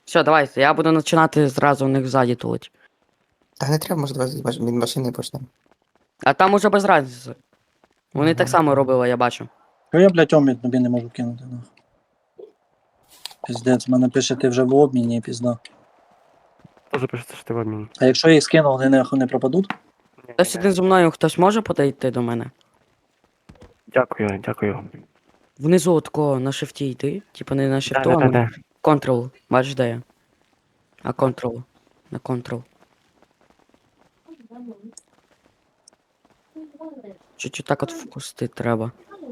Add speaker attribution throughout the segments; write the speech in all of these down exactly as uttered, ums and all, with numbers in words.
Speaker 1: Все, давайте, я буду починати зразу у них ззаді тулить.
Speaker 2: Та не треба, може, давай з маш- від машини почнемо.
Speaker 1: А там уже без разниці. Вони
Speaker 2: Ага.
Speaker 1: так само робили, я бачу.
Speaker 3: Що я, блядь, омід тобі не можу кинути, нахуй. Піздець, мене пише, ти вже в обміні, пізда.
Speaker 4: Тоже пишеться, що ти в обміні.
Speaker 3: А якщо я їх скину, вони нахуй не пропадуть?
Speaker 1: Хтось один зі мною, хтось може подійти до мене?
Speaker 4: Дякую, дякую.
Speaker 1: Внизу от такого на шифті йти. Типа не на шифту, а
Speaker 4: Да, да,
Speaker 1: на
Speaker 4: да.
Speaker 1: контрол. Бачиш, де я? А контрол. На контрол. Чуть-чуть так от впустити треба.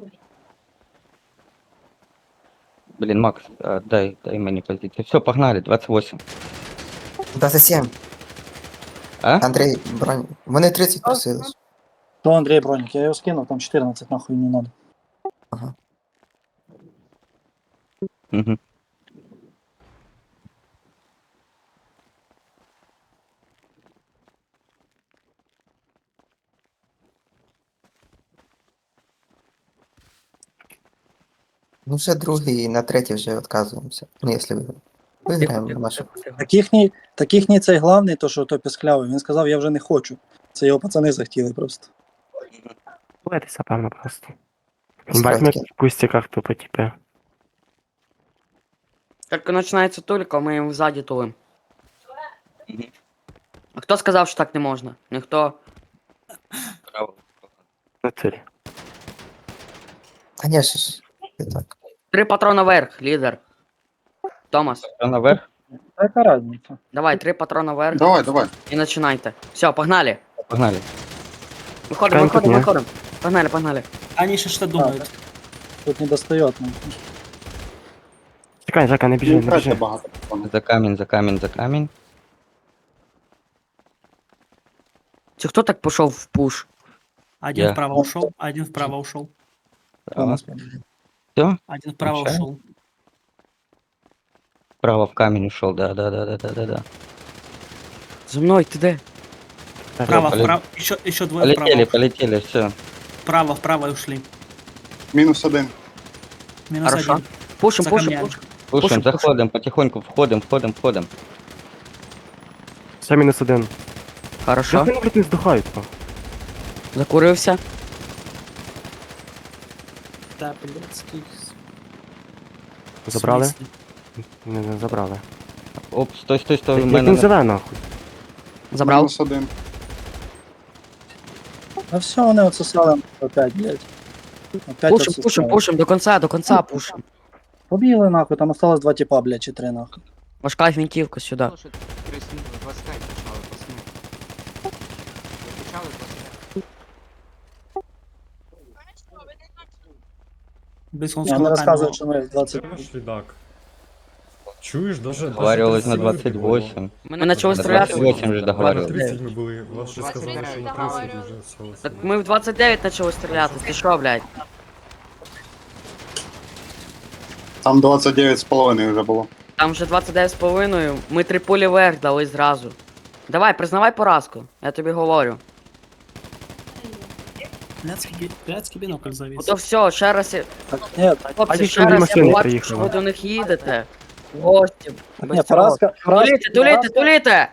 Speaker 5: Блин, Макс, а, дай, дай мне позицию. Все, погнали, двадцать восемь.
Speaker 2: двадцять сім.
Speaker 5: А?
Speaker 2: Андрій, бронь. Вони тридцять просили. ж.
Speaker 3: То Андрій Бронік, я його скинув, там чотирнадцять, нахуй не надо.
Speaker 2: Ага.
Speaker 5: Угу.
Speaker 2: Ну вже другий і на третій вже відказуємося. Ну, якщо виграємо. Виграємо на нашу.
Speaker 3: Так їхній, так їхній цей главний, то що той пісклявий, він сказав, я вже не хочу. Це його пацани захотіли просто.
Speaker 4: Боїтеся, певно, просто.
Speaker 2: Справді.
Speaker 4: Бать, ми в кустиках тупо, типа.
Speaker 1: Тільки починається тулька, ми їм ззаді тулим.
Speaker 5: Мгм.
Speaker 1: А хто сказав, що так не можна? Ніхто.
Speaker 5: Право.
Speaker 4: На цілі.
Speaker 2: Конечно ж. І так.
Speaker 1: Три патрона вверх, лідер. Томас,
Speaker 5: Всё наверх?
Speaker 3: Та яка разниця?
Speaker 1: давай, три патрона вверх
Speaker 6: Давай, давай.
Speaker 1: і починайте. Все, погнали.
Speaker 5: Погнали.
Speaker 1: Виходимо,
Speaker 4: Чекаємо тут,
Speaker 1: виходимо,
Speaker 4: ні?
Speaker 1: виходимо. Погнали, погнали.
Speaker 7: Они еще что думают?
Speaker 3: Тут не достает. Ну.
Speaker 4: Чекай, Жека, не біжи,
Speaker 6: Не
Speaker 4: не
Speaker 6: втратьте
Speaker 4: біжи.
Speaker 6: багато. пацани.
Speaker 5: За камень, за камень, за камень.
Speaker 1: Чи хто так пішов в пуш?
Speaker 7: Один
Speaker 5: Я.
Speaker 7: вправо ушел, один вправо ушел,
Speaker 5: Право.
Speaker 4: Право.
Speaker 7: один вправо
Speaker 5: Включаю.
Speaker 7: ушел.
Speaker 5: Право в камень ушел, да, да, да, да, да, да, да.
Speaker 1: За мною, ти де?
Speaker 7: Вправо,
Speaker 5: полет-
Speaker 7: вправо, еще, еще двое
Speaker 5: Полетели,
Speaker 7: вправо.
Speaker 5: полетели, все.
Speaker 7: Вправо, вправо и ушли.
Speaker 6: Мінус один.
Speaker 7: Минус
Speaker 1: Хорошо.
Speaker 7: один.
Speaker 1: Пушим,
Speaker 7: За
Speaker 1: пушим,
Speaker 7: камнями.
Speaker 1: пушим.
Speaker 5: Слушаем,
Speaker 1: Пушим,
Speaker 5: заходим, потихоньку, входим, входим, входим.
Speaker 4: Ще мінус один.
Speaker 1: Хорошо.
Speaker 4: Як вони, блядь, не здухають, то?
Speaker 1: Закурився.
Speaker 7: Да, блядский.
Speaker 4: Забрали?
Speaker 7: В смысле?
Speaker 4: Не, не забрали.
Speaker 5: Оп, стой, стой, стой, у
Speaker 4: Як
Speaker 5: мене
Speaker 4: він
Speaker 5: на-
Speaker 4: живе, нахуй?
Speaker 1: Забрав.
Speaker 6: Мінус один.
Speaker 3: А все, вони отсосали опять, блядь. Опять
Speaker 1: Пушим,
Speaker 3: отсосали.
Speaker 1: пушим, пушим, до конца, до конца пушим.
Speaker 3: Побігли нахуй, там осталось два типа, блядь, чи три нахуй.
Speaker 1: Важка гвинтівка сюди.
Speaker 7: Без он с
Speaker 3: Вони
Speaker 7: кулаками.
Speaker 3: розказують, що ми двадцять.
Speaker 8: Чуєш, Лідак? Чуєш, даже...
Speaker 5: Договаривались на двадцать восемь.
Speaker 1: Ми почали
Speaker 5: На
Speaker 1: стріляти.
Speaker 5: двадцать восемь же
Speaker 8: На
Speaker 5: договаривались.
Speaker 8: тридцать ми були, вас ще сказали, що на тридцять вже все.
Speaker 1: Так ми в двадцять дев'ять почали стріляти. Ти що, блядь?
Speaker 6: Там двадцять дев'ять з половиною вже було.
Speaker 1: Там вже двадцять дев'ять з половиною. Ми три пулі вверх дали зразу. Давай, признавай поразку. Я тобі говорю.
Speaker 7: Блядский, би- блядский бинокль завис.
Speaker 1: Ото все, ще раз. я-
Speaker 3: Так, ні,
Speaker 1: Хлопці,
Speaker 4: А ті
Speaker 1: ще
Speaker 4: чужі
Speaker 1: раз
Speaker 4: машини
Speaker 1: я бачу,
Speaker 4: приїхали.
Speaker 1: що ви до них їдете. В гості.
Speaker 3: так,
Speaker 1: Без
Speaker 3: ні,
Speaker 1: цього.
Speaker 3: поразка, поразка,
Speaker 1: Туліте, туліте,
Speaker 3: поразка.
Speaker 1: туліте!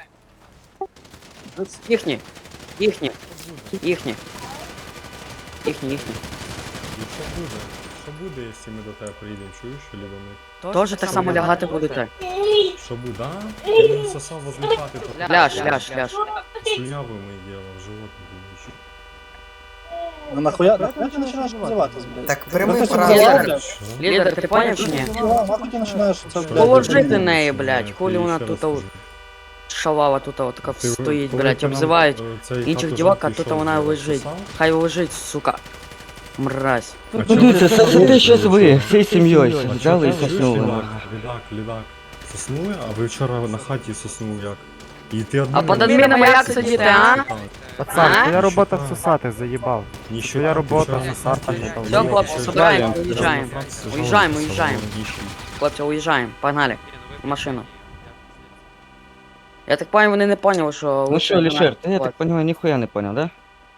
Speaker 1: Їхні. Їхні. Їхні. Їхні, їхні.
Speaker 8: Що буде? Що буде, якщо ми до тебе приїдемо, чуєш, чи до них?
Speaker 1: Тоже так само лягати будете.
Speaker 8: Що буде, а? Ти не сосав возле хати, то
Speaker 1: Ляж, ляж, ляж.
Speaker 8: слюняву ми діло, в живот не будеш.
Speaker 3: Ну нахуя, нахуя ти починаєш позиватись, блядь?
Speaker 2: Так, прямий
Speaker 3: Ну, ти
Speaker 2: поразка.
Speaker 1: Лідер.
Speaker 3: блядь.
Speaker 8: Що?
Speaker 1: Лідер, ти поняв чи ні?
Speaker 3: Ну, нахуй ти починаєш це, блядь,
Speaker 1: Положити
Speaker 3: блядь.
Speaker 1: неї, блядь.
Speaker 8: Я
Speaker 1: Хулі
Speaker 8: тобі
Speaker 1: вона
Speaker 8: ще
Speaker 1: тут
Speaker 8: раз
Speaker 1: от
Speaker 8: кажу.
Speaker 1: шалава тут от така
Speaker 8: Ти
Speaker 1: стоїть,
Speaker 8: коли
Speaker 1: блядь,
Speaker 8: ти нам,
Speaker 1: обзивають
Speaker 8: е, цей
Speaker 1: інших
Speaker 8: хату
Speaker 1: дівок, а
Speaker 8: жалкий,
Speaker 1: тут
Speaker 8: що
Speaker 1: вона
Speaker 8: ти
Speaker 1: лежить.
Speaker 8: сосав?
Speaker 1: Хай лежить, сука. Мразь.
Speaker 8: А
Speaker 5: Ну,
Speaker 8: чого
Speaker 5: дивіться,
Speaker 8: ти
Speaker 5: сосите
Speaker 8: робиш,
Speaker 5: щас ви,
Speaker 8: що?
Speaker 5: всей сім'єю
Speaker 8: А
Speaker 5: взяли і
Speaker 8: чого ти
Speaker 5: соснули.
Speaker 8: чуєш,
Speaker 5: нахуй.
Speaker 8: Лідак, лідак, лідак. Соснули, а ви вчора на хаті соснув як? І ти
Speaker 1: А під адмінами як сидіти, а?
Speaker 4: Пацан,
Speaker 1: А?
Speaker 4: твоя робота всосати, заїбав.
Speaker 8: Ніщо
Speaker 4: Твоя робота
Speaker 8: вчора
Speaker 4: всосати,
Speaker 8: не
Speaker 4: їбав.
Speaker 1: Все, хлопці,
Speaker 5: Далі.
Speaker 1: собираємо, уїжджаємо.
Speaker 8: Франції
Speaker 1: Уїжджаємо,
Speaker 8: жалуються,
Speaker 1: уїжджаємо.
Speaker 8: молодіші.
Speaker 1: Хлопці, уїжджаємо, погнали. В машину. Я так понял, вони не поняли, що...
Speaker 5: Ну
Speaker 1: лучше
Speaker 5: що,
Speaker 1: до
Speaker 5: Лішер,
Speaker 1: нас
Speaker 5: ти, я так
Speaker 1: хлопці.
Speaker 5: понимаю, ніхуя не понял, да?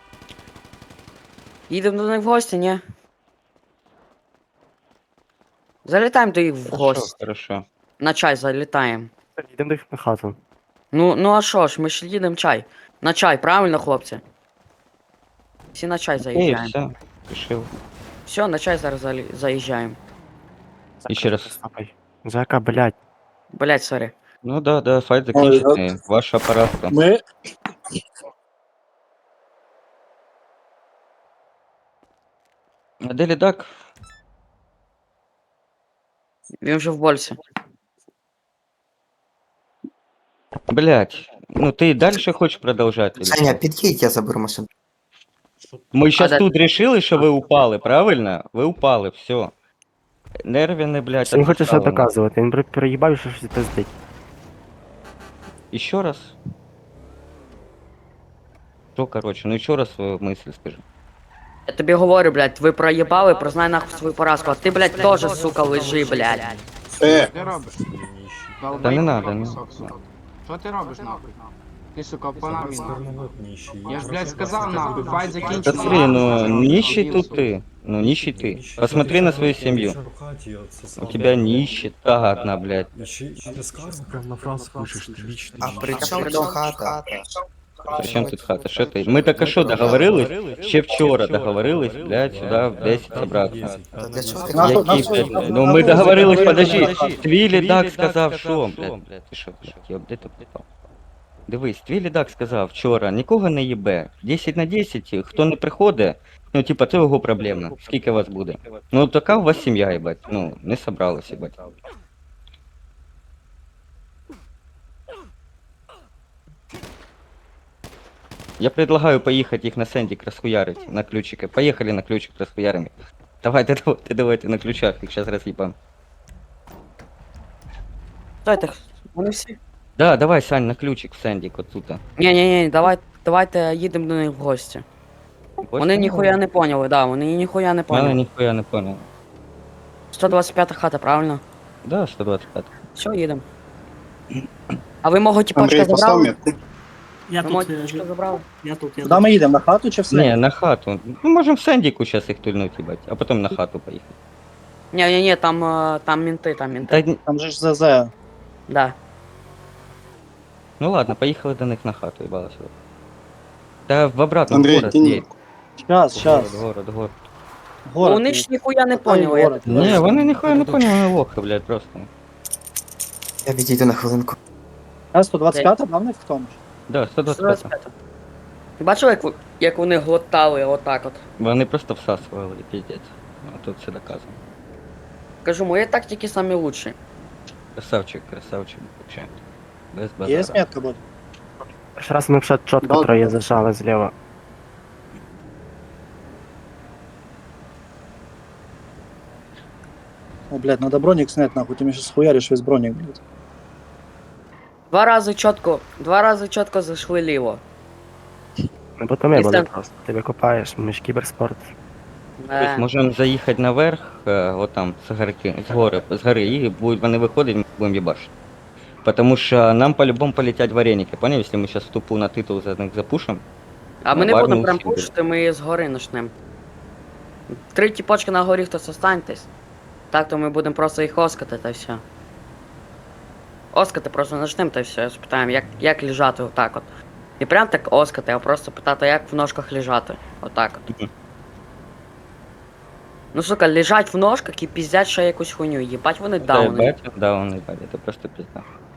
Speaker 1: Їдемо до них в гості, ні? Залітаємо до їх в
Speaker 5: Хорошо,
Speaker 1: гості.
Speaker 5: хорошо.
Speaker 1: На чай залітаємо.
Speaker 4: Йдемо до їх на хату.
Speaker 1: Ну, ну а що ж, ми ж їдемо чай. На чай, правильно, хлопці? Всі на чай
Speaker 5: И
Speaker 1: заїжджаємо.
Speaker 5: все, решил.
Speaker 1: Все, на чай зараз залі- заїжджаємо.
Speaker 5: Еще раз.
Speaker 4: Стопай. Жека, блядь.
Speaker 1: Блять, сорі.
Speaker 5: Ну да, да, файт законченный. Ваша поразка.
Speaker 3: Ми.
Speaker 5: А Дели Дак,
Speaker 1: Він вже в больці.
Speaker 5: блять, ну ты и дальше хочешь продолжать? или
Speaker 2: Саня,
Speaker 5: что?
Speaker 2: під'їдь, я заберу машину.
Speaker 5: Мы сейчас
Speaker 1: да-
Speaker 5: тут решили, что вы упали, правильно? Вы упали, все. Нервины, блядь,
Speaker 4: Він хоче ще
Speaker 5: отставлено.
Speaker 4: доказувати, він при- приїбав, що щось пиздить.
Speaker 5: Еще раз. Что, короче, ну еще раз свою мысль скажи.
Speaker 1: Я тобі говорю, блядь, ви проїбали, признай нахуй свою поразку. А ти, блядь, теж, сука, лежи, блядь.
Speaker 6: Э,
Speaker 9: Ти робиш?
Speaker 5: Да не надо, не
Speaker 9: Кусок, сука. Що ти робиш нахуй? Ти, сука, по нам нахуй.
Speaker 8: Стороновод нищий.
Speaker 9: Я ж, блядь, сказав нахуй, файт
Speaker 5: Да
Speaker 9: закінчений.
Speaker 5: смотри, ну
Speaker 9: нахуй.
Speaker 5: нищий тут ты. Ну нищий ты.
Speaker 8: Нищий.
Speaker 5: Посмотри на свою семью.
Speaker 8: В хаті отсосав.
Speaker 5: У тебя нищета одна, блядь.
Speaker 8: І ще- і ти скажеш?
Speaker 4: Прям на фразу пишеш, ти вічно.
Speaker 2: А при чому тут хата?
Speaker 5: Зачем тут хата? Что ты? Мы так а что договорились? Ще вчора договорились, блядь, сюда в десять собраться.
Speaker 2: Та для чого ти
Speaker 3: Нахуй,
Speaker 5: Які,
Speaker 3: нахуй,
Speaker 5: блядь,
Speaker 3: нахуй,
Speaker 5: ну
Speaker 3: нахуй,
Speaker 5: ми договорились,
Speaker 3: нахуй,
Speaker 5: подожди.
Speaker 3: нахуй.
Speaker 5: Твій лідак сказав, що, блядь, ти що, блядь, йоб, де ти попав? Дивись, твій лідак сказав вчора, нікого не їбе. десять на десять, хто не приходить, ну, типа, це його проблема. Скільки вас буде? Ну, така у вас сім'я, їбать, ну, не собралась, їбать. Я предлагаю поехать их на Сендик расхуярить, на ключике. Поехали на ключик расхуярим. их. Давайте, давайте, давайте на ключах, их сейчас разъебам.
Speaker 1: Стойте, вони всі.
Speaker 5: Да, давай, Сань, на ключик в Сендик, вот тут.
Speaker 1: Ні, ні, ні, давай, давайте їдемо до них в гості. Вони ніхуя не поняли, да, вони ніхуя не
Speaker 5: Я
Speaker 1: поняли.
Speaker 5: нихуя не понял.
Speaker 1: сто двадцять п'ята хата, правильно?
Speaker 5: Да, сто двадцать пять.
Speaker 1: Все, їдемо. А ви мого тіпочка
Speaker 6: Андрей, поставь
Speaker 1: забрали?
Speaker 6: метку.
Speaker 7: Я
Speaker 1: Ви мого
Speaker 7: тут, я,
Speaker 1: тіпочка
Speaker 7: ж-
Speaker 1: забрали?
Speaker 7: я тут, я
Speaker 3: Куди ми їдемо? На хату чи все?
Speaker 5: Не, на хату. Мы можем в Сендику сейчас их тульнуть, ебать, а потом на хату поехать.
Speaker 1: Ні, ні, ні, там, е, там мінти, там мінти.
Speaker 5: Да, н-
Speaker 3: Там же ж ЗЗ.
Speaker 1: Да.
Speaker 5: ну ладно, поехали до них на хату, ебалась. вот. Да в обратном
Speaker 6: Андрей,
Speaker 5: город
Speaker 6: кинь
Speaker 5: едь.
Speaker 6: метку.
Speaker 3: Щас,
Speaker 5: Город,
Speaker 3: щас.
Speaker 5: город, город.
Speaker 3: Город.
Speaker 1: Вони ж ніхуя не
Speaker 3: Какой
Speaker 1: поняли. я
Speaker 3: город?
Speaker 1: так-
Speaker 5: Не, вони ніхуя не поняли, вони лохи, блядь, просто.
Speaker 2: Я відійду на хвилинку.
Speaker 3: А сто двадцять п'ята, там в них в тому ж.
Speaker 5: Да, сто двадцять пять.
Speaker 1: сто двадцять п'ята. Ти бачив, як, в- як вони глотали отак от?
Speaker 5: Вони просто всасували, пиздец. А тут все доказано.
Speaker 1: Кажу, мої тактики самі лучші.
Speaker 5: Красавчик, красавчик, вообще. Без
Speaker 3: Є
Speaker 5: базара.
Speaker 3: метка буде?
Speaker 4: Перший раз ми вже чітко
Speaker 6: Да.
Speaker 4: троє зажали зліва.
Speaker 3: О, блядь, надо броник снять, нахуй, ты мне сейчас хуяришь весь броник, блядь.
Speaker 1: Два рази чітко, два рази чітко зайшли ліво.
Speaker 4: Ми потім ми
Speaker 1: І
Speaker 4: були
Speaker 1: це-
Speaker 4: просто. Ти викопаєш, ми ж кіберспорт.
Speaker 5: То есть
Speaker 1: Е,
Speaker 5: можемо заїхати наверх, е, от там, з горки, з гори, з гори, і будуть вони виходити, ми будемо їбашити. Потому що нам по-любому полетять вареники, понял? Якщо ми зараз тупу на титул за них запушимо.
Speaker 1: а ми не
Speaker 5: Ладно,
Speaker 1: будемо прям
Speaker 5: усім буде.
Speaker 1: пушити, ми з гори начнем. Три тіпочки на горі, хтось останьтесь. Так, то ми будемо просто їх оскати та все. Оскати просто начнем та все, спитаємо, як, як лежати отак от. І прям так оскати, а просто питати, як в ножках лежати. Отак от.
Speaker 5: Мгм.
Speaker 1: Ну сука, лежать в ножках і піздять ще якусь хуйню. Їбать вони
Speaker 5: Да,
Speaker 1: дауни.
Speaker 5: їбать, да, вони їбать, це просто пізда.